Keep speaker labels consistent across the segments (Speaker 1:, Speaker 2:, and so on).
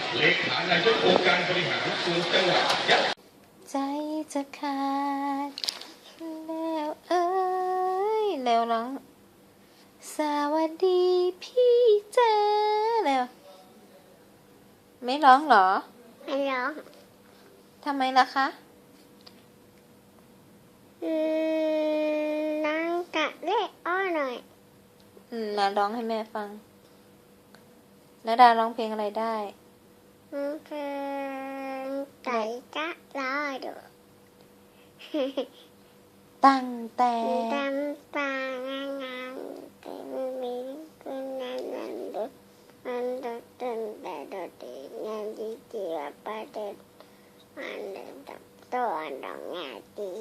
Speaker 1: เลขานายกองค์การบริหารส่วนจังหวัดยะ
Speaker 2: ใจจะขาดแล้วเอ้ยแล้วร้องสวัสดีพี่เจอแล้วไม่ร้องเหรอ
Speaker 3: ไม่ร้อง
Speaker 2: ทำไมล่ะคะ
Speaker 3: น้องกะเล่อ้อหน่อย
Speaker 2: นาร้องให้แม่ฟังนาดาร้องเพลงอะไรได้
Speaker 3: เพลงไก่จ๊ะรอดู
Speaker 2: ตั้งแต่
Speaker 3: ตำปางงานเป็นมิตรคุณนันนันดุมันดุตึงแต่ดุดีงานดีเจียประเด็นมันเดินตับตัวดองงานดี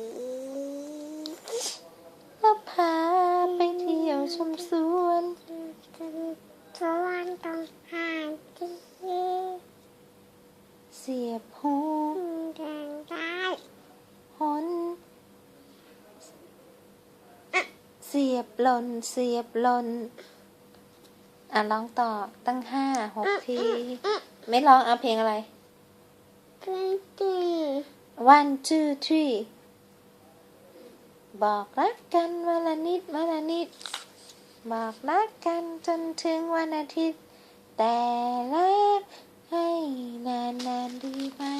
Speaker 2: แล้วพาไปเที่ยวชมสวน
Speaker 3: สวนต้องหาดี
Speaker 2: เสียบหู
Speaker 3: แดงได้
Speaker 2: หนเสียบหล่นเสียบหล่นร้องต่อตั้ง5-6 ทีไม่ร้องเอาเพลงอะไร One two three บอกรักกันวันละนิดวันละนิดบอกรักกันจนถึงวันอาทิตย์แต่รักให้นานๆดีไหม